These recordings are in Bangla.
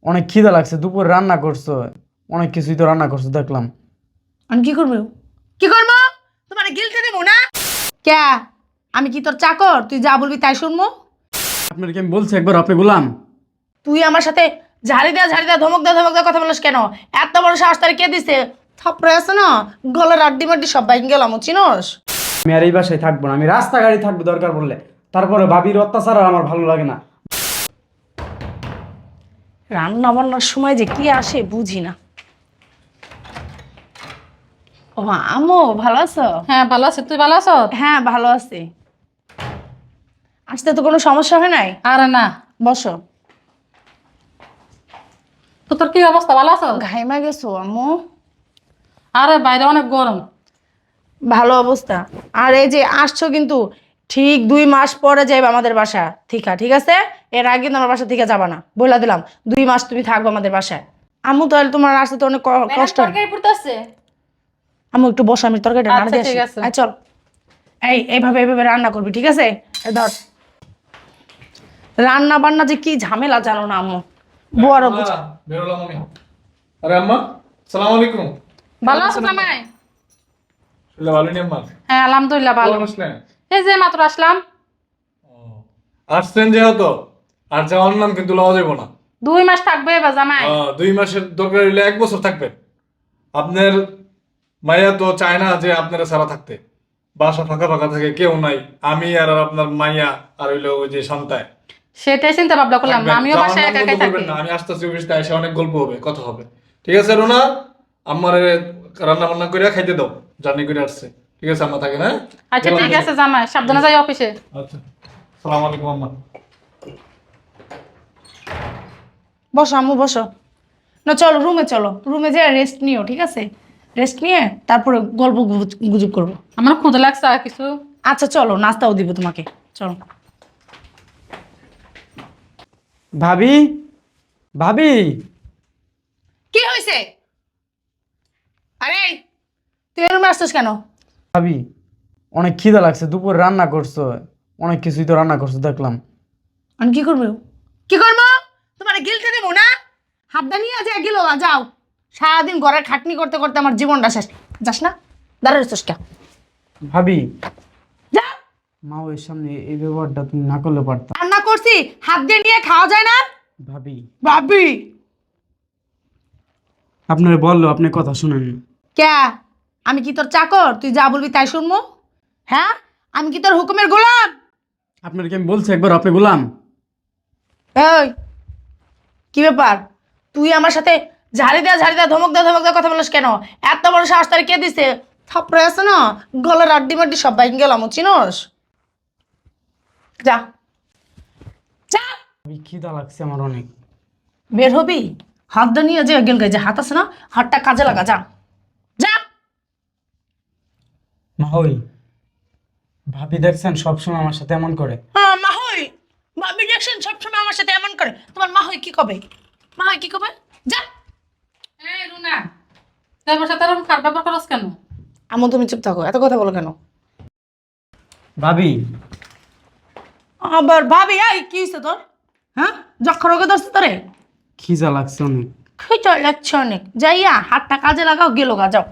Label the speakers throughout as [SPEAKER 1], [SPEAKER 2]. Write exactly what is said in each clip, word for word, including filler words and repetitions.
[SPEAKER 1] অনেক খিদা লাগছে, দুপুরে রান্না করছো, অনেক কিছুই তো রান্না করছো দেখলাম।
[SPEAKER 2] আমি কি করবো? কি করবো? তোমার গিলতে দেবো না? কে? আমি কি তোর চাকর? তুই যা বলবি তাই শুনবো?
[SPEAKER 1] আপনার কি আমি বলছি একবার আপনি গোলাম?
[SPEAKER 2] তুই আমার সাথে ঝাড়ি দেয়া ঝাড়ি দেয়া ধমক দেয়া ধমক দেয়া কথা বলিস কেন? এত বড় সাহস তার কে দিছে? থাপড়ে আছে না, গলার আড্ডি মাড্ডি সব বাইন গেলাম, চিনস?
[SPEAKER 1] আমি আর এই বাসায় থাকবো না, আমি রাস্তা গাড়ি থাকবো দরকার পড়লে। তারপরে ভাবির অত্যাচার আর আমার ভালো লাগে না।
[SPEAKER 2] রান্না বান্নার সময় যে কি আসে বুঝি না। ও আম্মু ভালো আছো?
[SPEAKER 3] হ্যাঁ ভালো আছে, তুই ভালো আছো?
[SPEAKER 2] হ্যাঁ ভালো আছি। আসতে তো কোনো সমস্যা হয় নাই?
[SPEAKER 3] আরে না,
[SPEAKER 2] বসো।
[SPEAKER 3] তো তোর কি অবস্থা, ভালো আছো?
[SPEAKER 2] ঘাইমা গেছো আম্মু?
[SPEAKER 3] আরে বাইরে অনেক গরম।
[SPEAKER 2] ভালো অবস্থা। আর এই যে আসছো কিন্তু ঠিক দুই মাস পরে যাইবে আমাদের বাসা থিকা, ঠিক আছে? এর আগে কিন্তু আমার বাসা থেকে যাবা না, বলে দিলাম। দুই মাস তুমি থাকবো আমাদের বাসায়। আম্মু তাহলে তোমার আসতে তো অনেক ক- কষ্ট হয়।
[SPEAKER 3] তরকারি পড়তেছে।
[SPEAKER 2] আম্মু একটু বসো, আমি তরকারিটা রান্না
[SPEAKER 3] আচ্ছা
[SPEAKER 2] দিয়ে আসি।
[SPEAKER 3] ঠিক আছে।
[SPEAKER 2] আয় চল। এই এইভাবে এইভাবে রান্না করবি, ঠিক আছে? এই ধর। রান্না বান্না যে কি ঝামেলা জানো না আম্মু, বুয়ারও বুঝ।
[SPEAKER 4] বেরোলাম আমি। আরে আম্মা, সালাম আলাইকুম।
[SPEAKER 3] ভালো আছো জামাই?
[SPEAKER 4] শুনলে ভালো নি আম্মা?
[SPEAKER 3] হ্যাঁ আলহামদুলিল্লাহ ভালো।
[SPEAKER 4] কখন আসলেন?
[SPEAKER 3] এই যে মাত্র আসলাম।
[SPEAKER 4] আসছেন যেহেতু আর যাওয়ার নাম কিন্তু লওয়া যাবো না।
[SPEAKER 3] দুই মাস থাকবে এবার জামাই।
[SPEAKER 4] আহ, দুই মাসের দরকার হইলে এক বছর থাকবেন। আপনার মাইয়া তো চায় না যে আপনারা সারা থাকতে। বাসা ফাঁকা ফাঁকা থাকে, কেউ নাই, আমি আর আপনার মাইয়া আর হইলো ওই যে সন্তায়
[SPEAKER 3] সেটাই চিন্তা ভাবনা করলাম,
[SPEAKER 4] থাকবেন।
[SPEAKER 3] আমিও
[SPEAKER 4] যাওয়ার
[SPEAKER 3] বাসায়
[SPEAKER 4] নাম
[SPEAKER 3] একা
[SPEAKER 4] বন্ধ
[SPEAKER 3] একাই
[SPEAKER 4] করবেন
[SPEAKER 3] থাকি।
[SPEAKER 4] না। আমি আসতেছি অফিসে, এসে অনেক গল্প হবে, কথা হবে। ঠিক আছে রোনা, আমার রান্না বান্না করে খাইতে দাও, জার্নি করে আসছে। ঠিক আছে আম্মা, থাকে না?
[SPEAKER 3] আচ্ছা
[SPEAKER 4] গেলাম
[SPEAKER 3] ঠিক
[SPEAKER 4] তাহলে।
[SPEAKER 3] আছে জামাই, সাবধানে যাই অফিসে।
[SPEAKER 4] আচ্ছা, সালাম আলাইকুম আম্মা।
[SPEAKER 2] বসো আম্মু বসো। না চলো রুমে, চলো রুমে যেয়ে রেস্ট নিও, ঠিক আছে? রেস্ট নিয়ে তারপরে গল্প গুজ- গুজব করবো।
[SPEAKER 3] আমার ক্ষুদা লাগছে আর কিছু।
[SPEAKER 2] আচ্ছা চলো, নাস্তাও দিব তোমাকে, চলো।
[SPEAKER 1] ভাবি, ভাবি,
[SPEAKER 2] কি হয়েছে? আরে তুই এর রুমে আসছিস কেন?
[SPEAKER 1] ভাবি অনেক খিদা লাগছে, দুপুরে রান্না করছো, অনেক কিছুই তো রান্না করছো দেখলাম।
[SPEAKER 2] আমি কি করবো? কি করবো? তোমার গিলতে দেবো না? হাতটা নিয়ে আছে গেলো, যাও। সারাদিন ঘরের খাটনি করতে করতে আমার জীবনটা শেষ। যাস না? দাঁড়া রয়েছিস কে?
[SPEAKER 1] ভাবি,
[SPEAKER 2] যা।
[SPEAKER 1] মা ওই সামনে এই ব্যবহারটা তুমি না করলে পারতাম।
[SPEAKER 2] রান্না করছি, হাত দিয়ে নিয়ে খাওয়া যায় না?
[SPEAKER 1] ভাবি,
[SPEAKER 2] ভাবি
[SPEAKER 1] আপনার বললো আপনি কথা শুনেন না।
[SPEAKER 2] কে? আমি কি তোর চাকর? তুই যা বলবি তাই শুনবো? হ্যাঁ, আমি কি তোর হুকুমের গোলাম?
[SPEAKER 1] আপনার কি আমি বলছি একবার আপনি গোলাম?
[SPEAKER 2] এই কি ব্যাপার? তুই আমার সাথে ঝাড়ি দেয়া ঝাড়ি দেয়া ধমক দেয়া ধমক দেয়া কথা বলিস কেন? এত বড় সাহস তার কে দিছে? থাপড়ে আছে না, গলার আড্ডি মাড্ডি সব বাইন গেলাম, চিনস? যা যা।
[SPEAKER 1] ভাবি খিদা লাগছে আমার অনেক।
[SPEAKER 2] বের হবি? হাতটা নিয়ে যে গেল গায়ে যে হাত আছে না, হাতটা কাজে লাগা, যা যা।
[SPEAKER 1] মা ওই ভাবি দেখছেন সবসময় আমার সাথে এমন করে।
[SPEAKER 2] হ্যাঁ মাহই, ভাবি দেখছেন সবসময় আমার সাথে এমন করে। তোমার মাহই কি কবে? মাহই কি কবে? যা।
[SPEAKER 3] এই রুনা, তুই আমার সাথে এরকম খারাপ ব্যবহার করছ কেন?
[SPEAKER 2] আমন তুমি চুপ থাকো, এত কথা বলো কেন?
[SPEAKER 1] ভাবি,
[SPEAKER 2] আবার ভাবি, এই কি হয়েছে তোর? হ্যাঁ, যক্ষর রোগে ধরছে তোরে?
[SPEAKER 1] খিদা লাগছে অনেক।
[SPEAKER 2] খেতে লাগছে অনেক, যাইয়া হাতটা কাজে লাগাও, গেলো গা, যাও।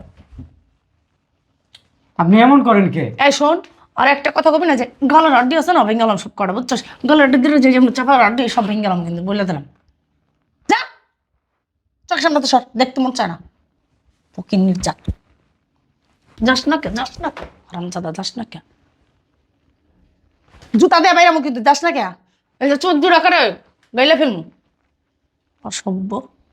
[SPEAKER 1] আপনি এমন করেন কে?
[SPEAKER 2] এই শোন, আর একটা কথা কবি না যে গলার আড্ডি আছে না, ভেঙে গেলাম সব কটা, বুঝছস? গলার আড্ডি দিলে যে যেমন চাপার আড্ডি সব ভেঙে গেলাম, কিন্তু বলে দিলাম। যা, চোখ সামনে তো সর, দেখতে মন চায় না। ফকির নির্যাত, যাস না কে? যাস না কে রামচাদা? যাস না কে? জুতা দিয়ে বাইরামো কিন্তু, যাস না কে? এই যে চোখ জোড়া করে গাইলে ফেলমু, অসভ্য।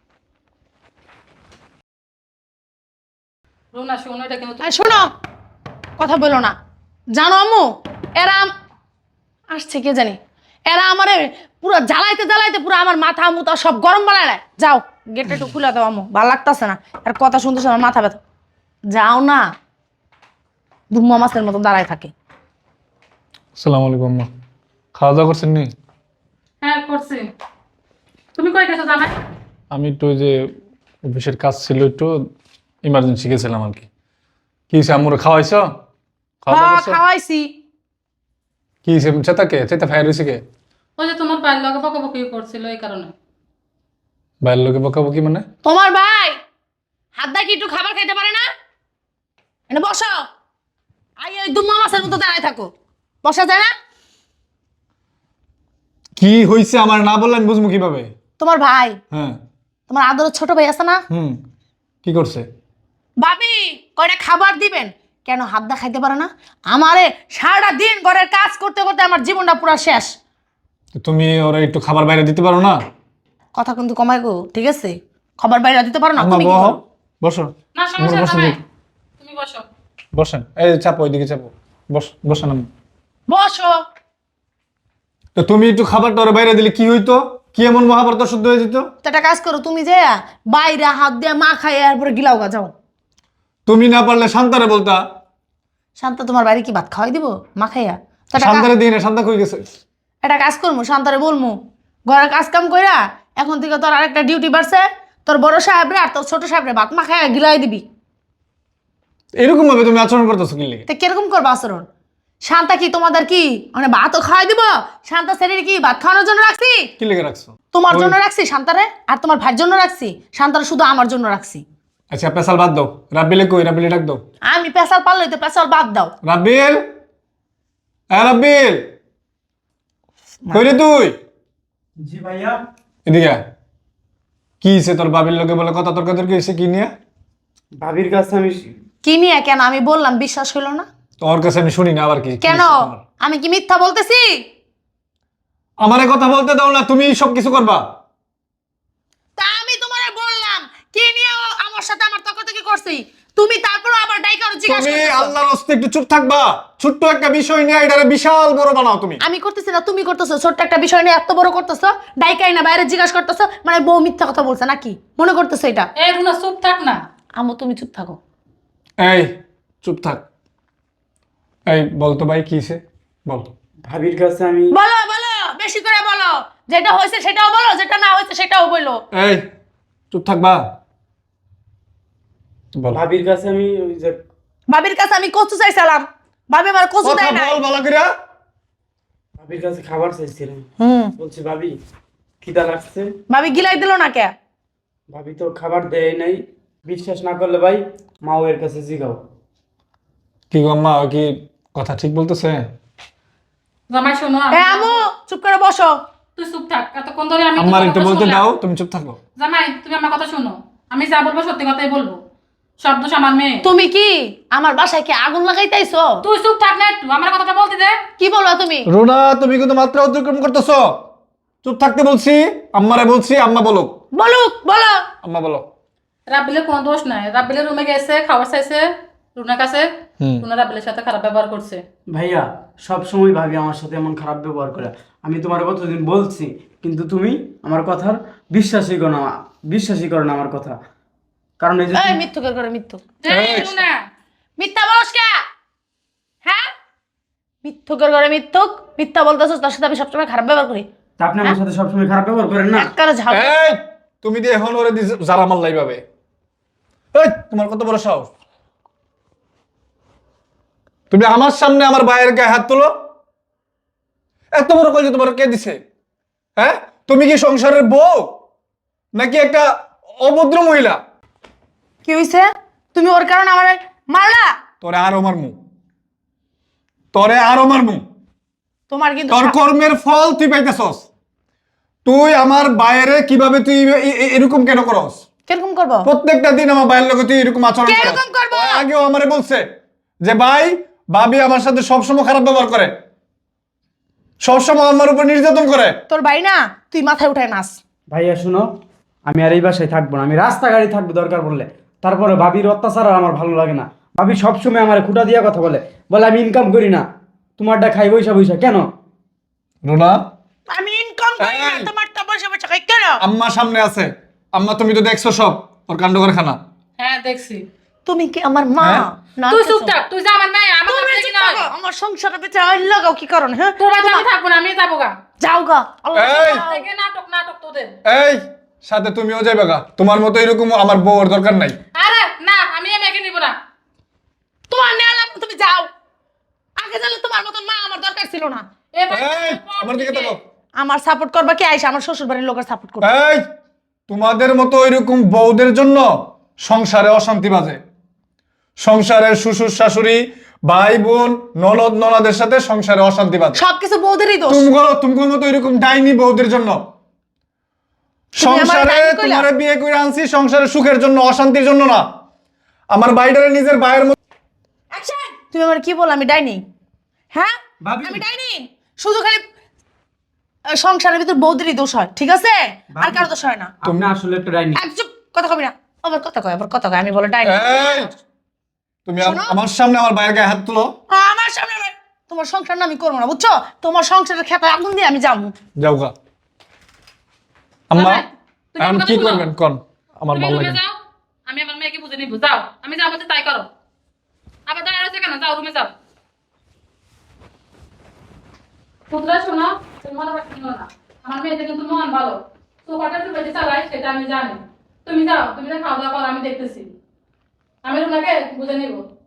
[SPEAKER 3] রুনা শোন, এটা কিন্তু
[SPEAKER 2] এই শোনো, কথা বলো না। জানো আম্মু, এরা আম- আসছে কে জানি, এরা আমারে পুরো জ্বালাইতে জ্বালাইতে পুরো আমার মাথা মুতা সব গরম বানায় দেয়। যাও, গেটটা একটু খুলে দাও আম্মু, ভালো লাগতেছে না। আর কথা শুনতেছে আমার মাথা ব্যথা। যাও না, ধুম্মা মাছের মতো দাঁড়ায় থাকে।
[SPEAKER 4] আসসালামু আলাইকুম আম্মা। খাওয়া দাওয়া করছেন নি?
[SPEAKER 3] হ্যাঁ করছি। তুমি কই গেছো জামাই?
[SPEAKER 4] আমি একটু ওই যে অফিসের কাজ ছিল, একটু ইমার্জেন্সি গেছিলাম আর কি। কি হয়েছে, আম্মুরে খাওয়াইছো? খাওয়া দাওয়া
[SPEAKER 2] হ্যাঁ
[SPEAKER 4] করছো?
[SPEAKER 2] খাওয়াইছি।
[SPEAKER 4] কি হয়েছে, চেতা কে চেতা ফায়ার হয়েছে কে?
[SPEAKER 3] ওই যে তোমার বাইর লগে বকাবকি করছিল এই কারণে।
[SPEAKER 4] বাইরের লোকে বকাবকি মানে?
[SPEAKER 2] তোমার ভাই হাত দা কি একটু খাবার খাইতে পারে না? এনে বসো। আই ওই দুম্মা মাছের মতো দাঁড়ায় থাকো। বসা যায় না?
[SPEAKER 4] কি হইছে আমার না বললেন বুঝবো কিভাবে?
[SPEAKER 2] তোমার ভাই,
[SPEAKER 4] হ্যাঁ।
[SPEAKER 2] তোমার আদরের ছোট ভাই আছে না?
[SPEAKER 4] হুম। কি করছে?
[SPEAKER 2] ভাবি কয়টা খাবার দিবেন? কেন হাত দা খাইতে পারে না? আমারে সারাটা দিন ঘরের কাজ করতে করতে আমার জীবনটা পুরো শেষ।
[SPEAKER 4] তো তুমি ওরা একটু খাবার বাইরে দিতে পারো না?
[SPEAKER 2] কথা কিন্তু কমাই গো, ঠিক আছে? খাবার বাইরে দিতে পারো না
[SPEAKER 4] আম্মা
[SPEAKER 2] তুমি কি
[SPEAKER 4] বহ,
[SPEAKER 2] করো?
[SPEAKER 4] বসো।
[SPEAKER 3] না সমস্যা
[SPEAKER 4] বসো
[SPEAKER 3] নাই,
[SPEAKER 4] দেখি।
[SPEAKER 3] তুমি বসো।
[SPEAKER 4] বসেন, এই চাপো, ওইদিকে চাপো। বস, বসেন আম্মা।
[SPEAKER 2] বসো।
[SPEAKER 4] তো তুমি একটু খাবারটা ওরা বাইরে দিলে কি হইতো? কি এমন মহাভারত শুদ্ধ হয়ে যেত?
[SPEAKER 2] তো একটা কাজ করো, তুমি যে বাইরে হাত দিয়ে মা খাই এরপরে গিলাও গা যাও।
[SPEAKER 4] তুমি না পারলে শান্তারে বলতা।
[SPEAKER 2] শান্ত তোমার বাড়ি কি ভাত খাওয়াই দিব মা খাইয়া? তো একটা
[SPEAKER 4] শান্তারে দিই না, শান্তা কই গেছে?
[SPEAKER 2] একটা কাজ করবো, শান্তারে বলবো ঘরের কাজ কাম কইরা এখন থেকে তোর আরেকটা ডিউটি বাড়ছে, তোর বড় সাহেবরে আর তোর ছোট সাহেবরে ভাত মা খাইয়া গিলাই দিবি।
[SPEAKER 4] এরকম ভাবে তুমি আচরণ করতেছো কি লেগে?
[SPEAKER 2] তো কিরকম করবো আচরণ? শান্তা কি তোমাদের কি মানে ভাতও খাওয়াই দিব? শান্তা শরীর কি ভাত খাওয়ানোর জন্য রাখছি?
[SPEAKER 4] কি লেগে রাখছো?
[SPEAKER 2] তোমার জন্য রাখছি শান্তারে, আর তোমার ভাইয়ের জন্য রাখছি? শান্তারে শুধু আমার জন্য রাখছি।
[SPEAKER 4] আচ্ছা পেশাল বাদ দাও, রাব্বিলে কই? রাব্বিলে ডাক দাও।
[SPEAKER 2] আমি পেশাল পারলে তো পেশাল বাদ দাও।
[SPEAKER 4] রাব্বিল, হ্যাঁ রাব্বিল, কই রে তুই?
[SPEAKER 1] জি ভাইয়া।
[SPEAKER 4] এদিকে আয়। কি হইছে তোর বাবির লোকে বলে কথা তর্কাতর্কি হইছে কি নিয়ে?
[SPEAKER 1] ভাবির কাছে আমি
[SPEAKER 2] কি নিয়ে? কেন আমি বললাম বিশ্বাস হইলো না?
[SPEAKER 4] তোর কাছে আমি শুনি না আবার কি? কি
[SPEAKER 2] কেন?
[SPEAKER 4] হইছে তোমার?
[SPEAKER 2] আমি কি মিথ্যা বলতেছি?
[SPEAKER 4] আমারে কথা বলতে দাও না, তুমি সব কিছু করবা।
[SPEAKER 2] তা আমি তোমারে বললাম কি নিয়ে ও আমার সাথে আমার তর্কাতর্কি করছি, তুমি তারপর আবার ডাইকা জিজ্ঞাসা
[SPEAKER 4] তুমি
[SPEAKER 2] করতেছো।
[SPEAKER 4] আল্লাহর রাস্তায় একটু চুপ থাকবা। ছোট্ট একটা বিষয় নিয়ে এটারে বিশাল বড় বানাও তুমি।
[SPEAKER 2] আমি করতেছি না, তুমি করতেছো। ছোট্ট একটা বিষয় নিয়ে এত বড় করতেছো, ডাইকাই না বাইরে জিজ্ঞাসা করতেছো, মানে বউ মিথ্যা কথা বলছে নাকি মনে করতেছো এটা?
[SPEAKER 3] এই রুনা চুপ থাক না।
[SPEAKER 2] আমু তুমি চুপ থাকো।
[SPEAKER 4] এই চুপ থাক। এই বল তো ভাই কি হইছে? বল।
[SPEAKER 1] ভাবির কাছে আমি
[SPEAKER 2] বলো বলো, বেশি করে বলো। যেটা হয়েছে সেটাও বলো, যেটা না হয়েছে সেটাও বলো।
[SPEAKER 4] এই চুপ থাকবা। বল।
[SPEAKER 1] ভাবির কাছে আমি ওই যে
[SPEAKER 2] ভাবির কাছে আমি কচু চাইছিলাম, ভাবি আমার কচু
[SPEAKER 4] কথা
[SPEAKER 2] দেয় না।
[SPEAKER 4] বল ভালো করে।
[SPEAKER 1] ভাবির কাছে খাবার চাইছিলাম।
[SPEAKER 2] হুম,
[SPEAKER 1] বলছি ভাবি খিদা লাগছে।
[SPEAKER 2] ভাবি গিলাই দিল না কে?
[SPEAKER 1] ভাবি তো খাবার দেয় নাই। বিশ্বাস না করলে ভাই মাও এর কাছে জিগাও।
[SPEAKER 4] কি গো আম্মা, ও কি কথা ঠিক বলতেছে?
[SPEAKER 3] জামাই শোনো,
[SPEAKER 2] এ
[SPEAKER 3] আমি-
[SPEAKER 2] আমু চুপ করে বসো।
[SPEAKER 3] তুই চুপ থাক। এতক্ষণ ধরে আমি
[SPEAKER 4] আম্মার
[SPEAKER 3] তোর
[SPEAKER 4] একটু
[SPEAKER 3] কথা
[SPEAKER 4] বলতে
[SPEAKER 3] শুনলাম।
[SPEAKER 4] দাও, তুমি চুপ থাকো।
[SPEAKER 3] জামাই তুমি আমার কথা শোনো, আমি যা বলবো সত্যি কথাই বলবো। সব দোষ আমার মেয়ে।
[SPEAKER 2] তুমি কি আমার বাসায় কি আগুন লাগাইতেছো?
[SPEAKER 3] তুই চুপ থাক না একটু, আমার কথাটা বলতে দে।
[SPEAKER 2] কি বলবা তুমি?
[SPEAKER 4] রোনা তুমি কিন্তু মাত্রা অতিক্রম করতেছো। চুপ থাকতে বলছি, আম্মারে বলছি, আম্মা বলো।
[SPEAKER 2] বলুক, বলো।
[SPEAKER 4] আম্মা বলো।
[SPEAKER 3] রাব্বিলের কোনো দোষ নাই। রাব্বিলের রুমে গেছে, খাবার চাইছে রুনার কাছে।
[SPEAKER 4] হুম।
[SPEAKER 3] রুনা রাব্বিলের সাথে খারাপ ব্যবহার করছে।
[SPEAKER 1] ভাইয়া সব সময় ভাবি আমার সাথে এমন খারাপ ব্যবহার করে। আমি তোমার কতদিন বলছি, কিন্তু তুমি আমার কথার বিশ্বাসই করো না, বিশ্বাসই করো না আমার কথা। কারণ এই যে
[SPEAKER 2] এই মিথ্যুকের করে মিথ্যু।
[SPEAKER 3] এই রুনা,
[SPEAKER 2] মিথ্যা বলস কে? হ্যাঁ, মিথ্যুকের করে মিথ্যুক। মিথ্যা বলতেছস, তার সাথে আমি সবসময় খারাপ ব্যবহার করি।
[SPEAKER 1] তা আপনি আমার সাথে সবসময় খারাপ ব্যবহার করেন না।
[SPEAKER 2] একবারে ঝাল।
[SPEAKER 4] এই তুমি দিয়ে এখন ওরে দি যারা মাল্লাই পাবে। এই তোমার কত বড় সাহস? তুমি আমার সামনে আমার ভাইয়ের গায়ে হাত তোলো? এত বড় কল যে তোমার কে দিছে? হ্যাঁ, তুমি কি সংসারের বউ নাকি একটা অভদ্র মহিলা?
[SPEAKER 2] কি হইছে? তুমি ওর কারণে আমার মারলা?
[SPEAKER 4] তোরে আরো মারমু, তোরে আরো মারমু।
[SPEAKER 2] তোমার কিন্তু
[SPEAKER 4] তোর কর্মের ফল তুই পাইতেছস। তুই আমার বাইরে কিভাবে তুই এ- এ- এরকম কেন করস?
[SPEAKER 2] কিরকম করবো?
[SPEAKER 4] প্রত্যেকটা দিন আমার বাইরের লোকে তুই এরকম আচরণ করস।
[SPEAKER 2] কিরকম করবো?
[SPEAKER 4] ও আগেও আমারে বলছে যে ভাই ভাবি আমার সাথে সবসময় খারাপ ব্যবহার করে, সবসময় আমার উপর নির্যাতন করে।
[SPEAKER 2] তোর ভাই না, তুই মাথায় উঠায় নাচ।
[SPEAKER 1] ভাইয়া শুনো, আমি আর এই বাসায় থাকবো না। আমি রাস্তাঘাটে থাকবো দরকার পড়লে। তারপরে ভাবির অত্যাচার আর আমার ভালো লাগে না। ভাবি সবসময় আমার খুঁটা দিয়া কথা বলে, বলে আমি ইনকাম করি না, তোমারটা খাই বৈশা বৈশা। কেন?
[SPEAKER 4] রুনা,
[SPEAKER 2] আমি ইনকাম করি না,
[SPEAKER 4] এই।
[SPEAKER 2] তোমারটা বসে বসে খাই কেন?
[SPEAKER 4] আম্মা সামনে আছে। আম্মা তুমি তো দেখছো সব ওর কাণ্ড কারখানা।
[SPEAKER 3] হ্যাঁ দেখছি।
[SPEAKER 2] তুমি কি আমার মা?
[SPEAKER 4] হ্যাঁ?
[SPEAKER 2] না
[SPEAKER 3] তুই
[SPEAKER 2] কিছু।
[SPEAKER 3] চুপ থাক, তুই যা আমার মেয়ে, আমার
[SPEAKER 2] তুমি
[SPEAKER 3] কাছে
[SPEAKER 2] চুপ
[SPEAKER 3] কি নয়।
[SPEAKER 2] থাকো, আমার সংসারের ভিতরে আইন লাগাও কি কারণ? হ্যাঁ,
[SPEAKER 3] তোর বাড়িতে আমি থাকবো না, আমি যাবো গা।
[SPEAKER 2] যাও গা। আল্লাহ
[SPEAKER 4] এই।
[SPEAKER 2] যাও।
[SPEAKER 3] থেকে নাটক নাটক তোদের।
[SPEAKER 4] এই সাথে তুমিও যাইবে গা। তোমার মতো এরকম আমার বউর দরকার নাই।
[SPEAKER 3] আরে না, আমি এই মেয়েকে নিব না।
[SPEAKER 2] তোমার নেয়া লাগবে, তুমি যাও। আগে জানলে তোমার মতন মা আমার দরকার ছিল না।
[SPEAKER 3] এ বাড়ি
[SPEAKER 4] এই
[SPEAKER 3] থেকে পর
[SPEAKER 4] আমার দিকে
[SPEAKER 3] থেকে।
[SPEAKER 4] তাকাও।
[SPEAKER 2] আমার সাপোর্ট করবা কি আইসা আমার শ্বশুর বাড়ির লোকের সাপোর্ট করবে।
[SPEAKER 4] এই তোমাদের মতো ওইরকম বউদের জন্য সংসারে অশান্তি বাজে। সংসারের শ্বশুর শাশুড়ি ভাই বোন ননদ ননদের সাথে সংসারে অশান্তি বাজে।
[SPEAKER 2] সবকিছু বৌদেরই দোষ।
[SPEAKER 4] তুমগো তুমগোর মতো এরকম ডাইনি বউদের জন্য।
[SPEAKER 2] তুমি আমার
[SPEAKER 4] সংসারে
[SPEAKER 2] ডাইনি কইলা?
[SPEAKER 4] তোমারে বিয়ে করে আনছি সংসারের সুখের জন্য, অশান্তির জন্য না। আমার বাইডারে নিজের ভাইয়ের মতো।
[SPEAKER 2] অ্যাকশন! তুমি আমার কি বল আমি ডাইনি? হ্যাঁ
[SPEAKER 1] ভাবি।
[SPEAKER 2] আমি ডাইনি? শুধু খালি আহ, সংসারের ভিতর বৌদেরই দোষ হয়, ঠিক আছে? আর কারো দোষ হয় না।
[SPEAKER 1] তুমি আসলে একটা ডাইনি।
[SPEAKER 2] এক চুপ, কথা কবি না। আবার কথা কয়, আবার কথা কয়, আমি বলে ডাইনি।
[SPEAKER 4] এই, তুমি আম-
[SPEAKER 2] শোনো।
[SPEAKER 4] আমার সামনে আমার ভাইয়ের গায়ে হাত তুলো।
[SPEAKER 2] আমার সামনে আবার- তোমার সংসার না আমি করবো না, বুঝছো? তোমার সংসারের খেতে আগুন দিয়ে আমি যাবো।
[SPEAKER 4] যাও গা। আম্মা
[SPEAKER 3] ভাই, তুমি
[SPEAKER 4] এখন
[SPEAKER 3] আমার
[SPEAKER 4] কি
[SPEAKER 3] কথা শুনো।
[SPEAKER 4] করবেন কোন? আমার
[SPEAKER 3] তুমি
[SPEAKER 4] ভালো
[SPEAKER 3] রুমে
[SPEAKER 4] লাগে না।
[SPEAKER 3] যাও, আমি আমার মেয়েকে বুঝে নিব। যাও, আমি যা বলছি তাই করো। আবার দাঁড়িয়ে রয়েছে কেন? যাও রুমে যাও। পুত্রা শোনো, তুমি মনে রাখতে না। আমার মেয়েটা কিন্তু মন ভালো। সোফাটা একটু বেশি চালায় সেটা আমি জানি। তুমি যাও, তুমি যা খাওয়া দাওয়া করো আমি দেখতেছি। আমি রুমাকে বুঝে নিব।